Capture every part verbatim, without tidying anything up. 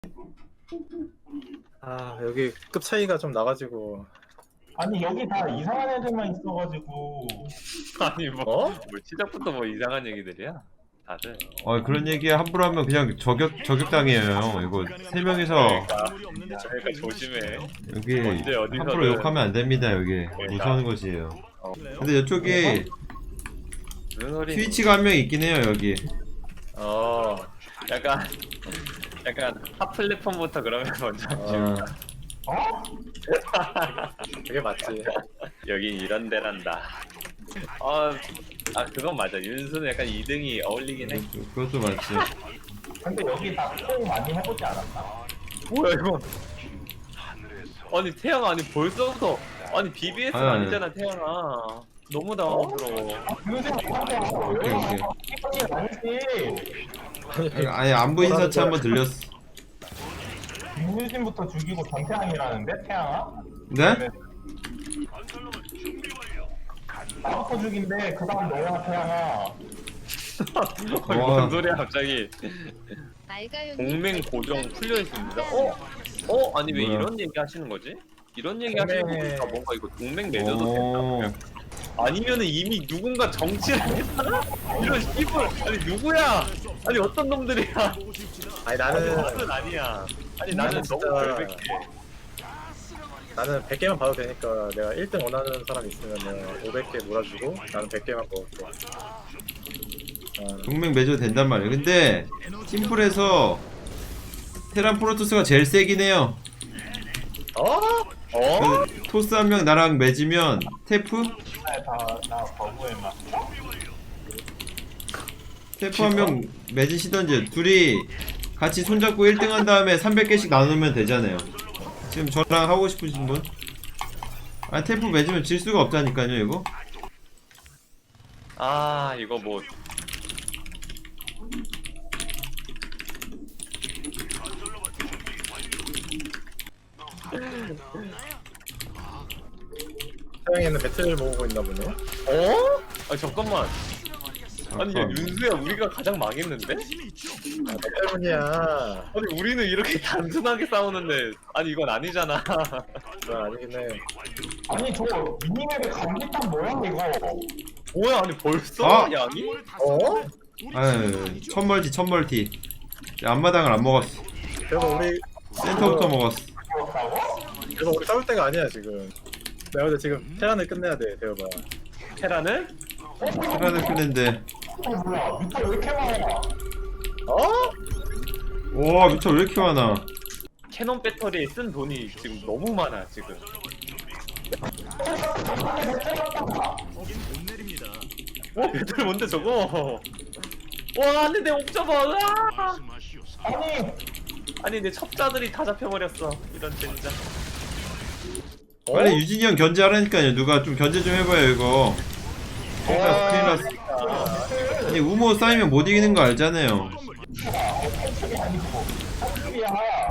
아 여기 급 차이가 좀 나가지고. 아니 여기 다 이상한 애들만 있어가지고. 아니 뭐, 어? 뭐 시작부터 뭐 이상한 얘기들이야 다들. 어 그런 얘기 함부로 하면 그냥 저격 저격당해요. 이거 세 명이서 그러니까 조심해. 여기 언제 어디서든- 함부로 욕하면 안 됩니다. 여기 무서운 곳이에요. 어. 근데 이쪽에 무슨 소리? 트위치가 한 명 있긴 해요. 여기. 어 약간 약간 탑 플랫폼부터 그러면 먼저 어, 어? 그게 맞지. 여긴 이런 데란다. 어, 아 그건 맞아. 윤수는 약간 이 등이 어울리긴 해. 그것도 맞지. 근데 여기 다통 많이 해보지 않았나? 뭐야 이거? 아니 태양 아니 벌써부터 아니 비비에스는 아니, 아니. 아니잖아 태양아. 너무 당황스러워. 요즘 뭐하냐? 오케이 오케이. 이게 아니지. 아니 안부 인사치 한번 들렸어. 김유진부터 죽이고 전태양이라는데 태양아? 네? 나부터 죽인데 그 다음 너야 태양아. 어, 이거 뭔 소리야 갑자기. 공맹 고정 풀려 있습니다. 어? 어? 아니 왜 뭐야? 이런 얘기 하시는 거지? 이런 얘기 동맹- 하시는 거 보니까 뭔가 이거 동맹 맺어도 오. 된다. 아니면은 이미 누군가 정치를 했잖아? 이런 씨발 아니 누구야? 아니 어떤 놈들이야? 아니 아니 나는 나는 아니야. 아니 나는 진짜- 너무 결백해. 나는 백 개만 봐도 되니까 내가 일 등 원하는 사람 있으면 오백 개 몰아주고 나는 백 개만 먹을게. 어, 동맹 맺어도 된단 말이에요. 근데 팀플에서 테란 프로토스가 제일 세긴 해요. 어? 어? 그 토스 한 명 나랑 맺으면 테프? 다나 거부했나? 테프 한 명 맺으시던지 둘이 같이 손잡고 일 등 한 다음에 삼백 개씩 나누면 되잖아요. 지금 저랑 하고 싶으신 분? 아 테프 맺으면 질 수가 없다니까요 이거. 아 이거 뭐 태양이는 배틀을 모으고 있나 보네. 어? 아 잠깐만. 아니 야 아까 윤수야 우리가 가장 망했는데? 아, 너 때문이야. 아니 우리는 이렇게 단순하게 싸우는데 아니 이건 아니잖아. 그건 아니긴 해. 아니 저 미니맵에 감기탄 뭐야 이거? 뭐야 아니 벌써 아! 양이? 어? 아유 첫멀티 첫멀티 앞마당을 안 먹었어. 그래서 우리 센터부터 먹었어. 그렇다고? 그래서 우리 싸울 때가 아니야 지금. 내가 근데 지금 테란을 끝내야 돼 대여봐. 테란을? 테란을 끄는데 어 뭐야? 밑에 왜 이렇게 많아? 어? 와 미쳐 왜 이렇게 많아. 캐논 배터리에 쓴 돈이 지금 너무 많아 지금. 와 배터리 뭔데 저거? 와 안돼 내 옥저버. 으아! 아니 아니 내 첩자들이 다 잡혀버렸어 이런 젠장. 어? 빨리 유진이 형 견제하라니까요. 누가 좀 견제 좀 해봐요 이거. 큰일 났어 큰일 났어. 아니 우모 쌓이면 못 이기는 거 알잖아요. 이야.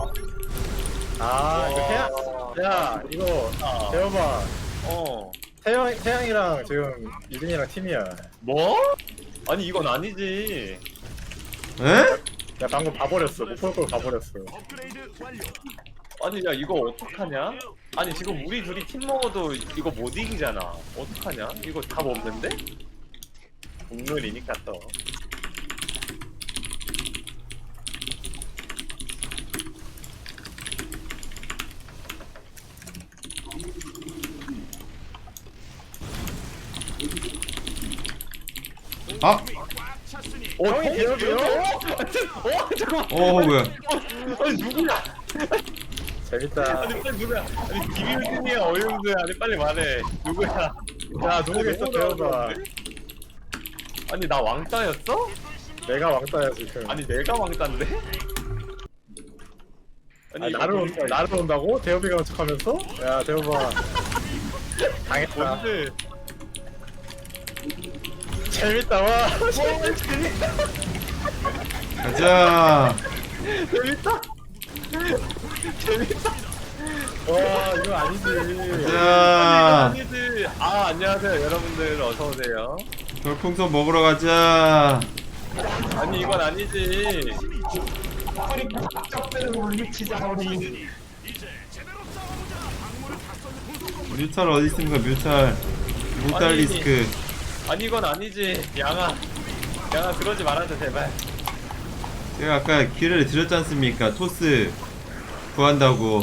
아 이거 태양. 야 이거 아. 대여봐. 어. 태양 태양이랑 지금 유진이랑 팀이야. 뭐? 아니 이건 아니지. 에? 야 방금 봐버렸어. 못 볼 걸 봐버렸어. 아니 야 이거 어떡하냐? 아니 지금 우리 둘이 팀 먹어도 이거 못 이기잖아. 어떡하냐? 이거 답 없는데? 국룰이니까 또. 아! 어, 형이 대여줘요? 어, 잠깐만. 어 뭐야. 아니 누구야? 재밌다. 아니 빨리 누구야? 아니 김일준이야 어윤수야? 아니 빨리 말해. 누구야? 야 누구겠어 대여봐. 아니 나 왕따였어? 내가 왕따야 지금. 아니 내가 왕따인데? 아, 이거 나를 온, 보니까 나를 온다고? 대여비가 온 척하면서? 야 대여봐. 당했다. 뭔데? 재밌다 와. 재밌다. 가자. 재밌다. 재밌다. 와 이거 아니지. 가자. 아니지. 아 안녕하세요 여러분들 어서 오세요. 별풍선 먹으러 가자. 아니 이건 아니지. 아프리카 악적들을 물리치자 우리. 뮤탈 어디 있습니까? 뮤탈. 뮤탈 아니, 리스크. 아니 이건 아니지. 양아, 양아 그러지 말아줘 제발. 제가 아까 기회를 드렸지 않습니까? 토스 구한다고.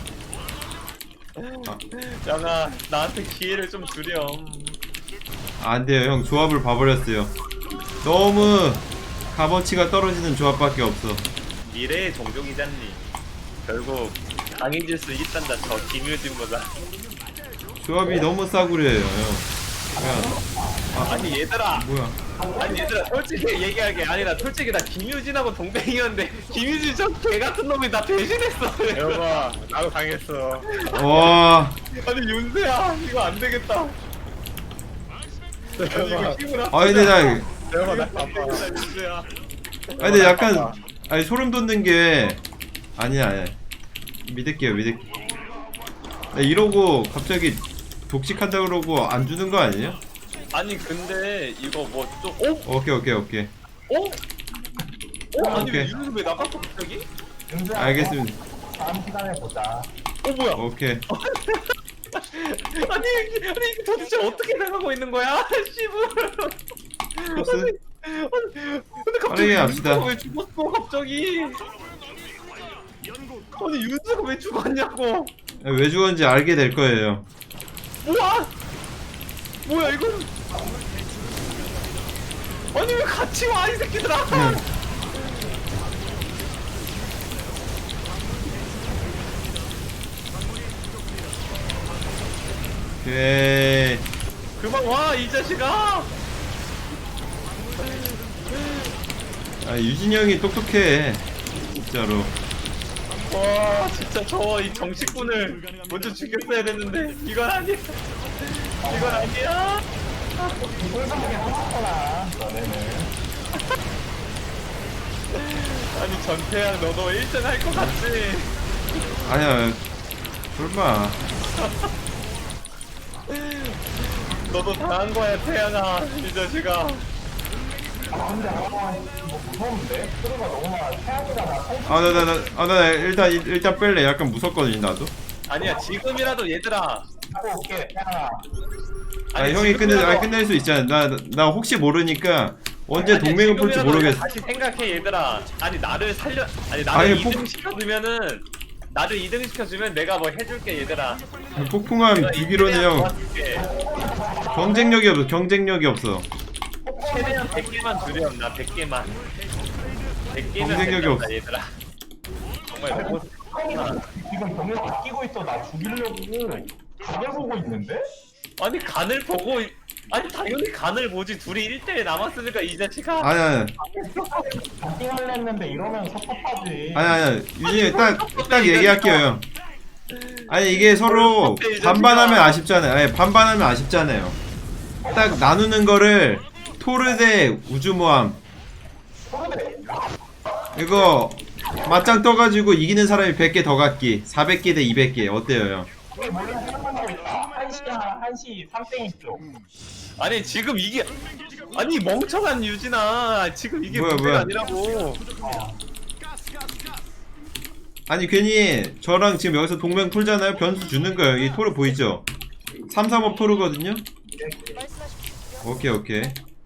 양아 나한테 기회를 좀 주렴. 안 돼요, 형. 조합을 봐버렸어요. 너무 값어치가 떨어지는 조합밖에 없어. 미래의 종족이잖니. 결국 강해질 수 있단다 저 김유진보다. 조합이 너무 싸구려예요, 형. 그냥, 아니 얘들아, 뭐야. 아니 얘들아 솔직히 얘기하게 아니라 솔직히 나 김유진하고 동생이었는데 김유진 저 개같은 놈이 나 배신했어. 여봐 나도 당했어. 와, 아니 윤세야 이거 안 되겠다. 아니 이거 여봐 힘을 합. 아, 근데 나, 여봐 나 바빠. 윤세야. 아, 근데 약간, 아니, 소름 돋는 게, 아니야, 아니야. 믿을게요, 믿을게요. 나 이러고 갑자기 독식한다 그러고 안 주는 거 아니에요? 아니 근데 이거 뭐 좀 어? 오케이, 오케이, 오케이. 어? 어? 아니 왜 오케이. 윤세 왜 나갔어 갑자기? 윤주야, 알겠습니다. 다음 시간에 보자. 어 뭐야? 오케이. 아니 이게 아니 이게 도대체 어떻게 나가고 있는 거야? 씨발. 토스? 아니, 근데 갑자기 빠르게 합시다. 윤수가 왜 죽었어 갑자기? 아니 윤수가 왜 죽었냐고? 왜 죽었는지 알게 될 거예요. 뭐야? 뭐야 이건? 아니 왜 같이 와 이 새끼들아? 응. 오케이. 그만 와 이 자식아! 아, 유진이 형이 똑똑해. 진짜로. 와 진짜 저 이 정식군을 먼저 죽였어야 됐는데 이건 아니야. 이건 아니야. 이불성하게 하셨구나, 너네는. 아니 전태양 너도 일 등 할 것 같지? 아니야. 설마. 너도 당한 거야 태양아 이 자식아. 아, 근데, 아, 뭐 무서운데? 소리가 너무 많아. 태양이잖아. 아, 나, 나, 나, 아, 나 일단, 일단 뺄래. 약간 무섭거든, 나도. 아니야 지금이라도 얘들아. 하고 올게, 태양아. 아, 아니, 형이 끝내, 지금이라도- 아, 끝낼 수 있잖아. 나, 나 혹시 모르니까 언제 아니, 동맹을 볼지 지금이라도 모르겠어. 다시 생각해 얘들아. 아니 나를 살려 아니 나를 아니, 이 등 폭- 시켜주면은 나를 이 등 시켜주면 내가 뭐 해줄게 얘들아. 폭풍함 내가 주기로는 이기면 형 도와줄게. 경쟁력이 없어. 경쟁력이 없어. 최대한 백 개만 주렴 나 백 개만. 백 개면 경쟁력이 된다, 없어. 얘들아. 정말 배고 태양이가 지금 병력 아끼고 있어. 나 죽이려고 간을 보고 있는데? 아니 간을 보고 있- 아니 당연히 간을 보지. 둘이 일 대 일 남았으니까 이 자식아. 아니, 아니, 잡기만 했는데 이러면 섭섭하지. 아니, 아니. 유진이 딱, 딱 얘기할게요, 형. 아니, 이게 서로 반반하면 아쉽잖아요. 아니, 반반하면 아쉽잖아요. 딱 나누는 거를 토르 대 우주모함. 그런데 이거 맞짱 떠가지고 이기는 사람이 백 개 더 갖기. 사백 개 대 이백 개. 어때요, 형? 이게 몰래 생각하고 있다. 한시야, 한시 삼땡이 쪽. 아니 지금 이게 아니 멍청한 유진아 지금 이게 뭐야, 문제가 뭐야. 아니라고. 어. 아니, 괜히 저랑 지금 여기서 동맹 풀잖아요? 변수 주는 거예요. 이 토르 보이죠? 삼, 삼 업 토르거든요? 오케이, 오케이.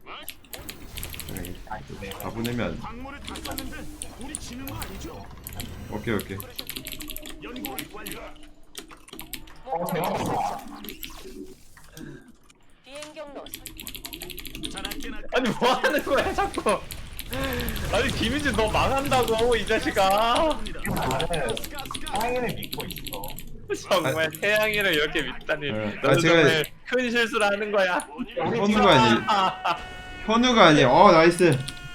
다 보내면 안 오케이, 오케이. 어, 대박. 비행 경로 아니 뭐 하는 거야 자꾸. 아니 김희진 너 망한다고 이 자식아. 나는 태양이를 믿고 있어. 정말 태양이를 이렇게 믿다니. 네. 너는 아, 제가- 정말 큰 실수를 하는 거야. 현우가 아니, 현우가 아니. 어, 나이스.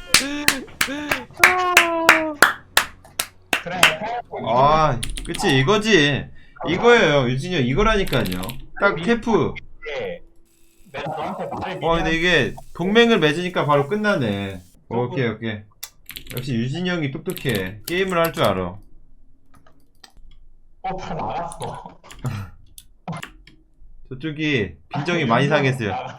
그래, 태양이 아, 그치, 이거지. 이거예요, 유진이 형. 이거라니까요. 딱 테프. 이게 내가 너한테 말을 어, 근데 이게 동맹을 맺으니까 바로 끝나네. 오케이, 오케이. 역시 유진이 형이 똑똑해. 게임을 할 줄 알아. 어, 다 나갔어. 저쪽이 빈정이 많이 상했어요. 나갔어.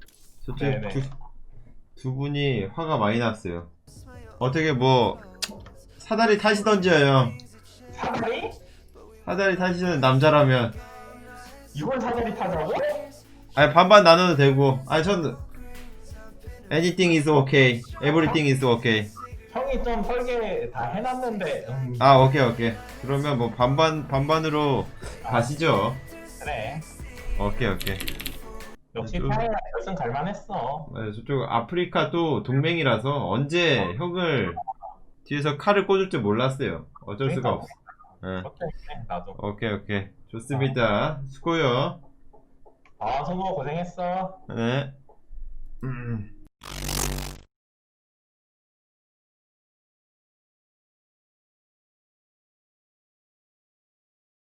저쪽 네네. 두, 두 분이 화가 많이 났어요. 어떻게 뭐 사다리 타시던지요 형. 사다리? 사다리 타시는 남자라면. 이걸 사다리 타자고? 아니 반반 나눠도 되고. 아니 전 anything is okay, everything is okay. 형이 좀 설계 다 해놨는데 음, 아 오케이 오케이. 그러면 뭐 반반 반반으로 가시죠. 그래 오케이 오케이. 역시 좀- 타이가 결승 갈만했어. 네, 저쪽 아프리카도 동맹이라서 언제 형을 뒤에서 칼을 꽂을 줄 몰랐어요. 어쩔 수가 없어. 네. 어때? 나도. 오케이 오케이 좋습니다. 수고요. 아, 성우 고생했어. 네. 음.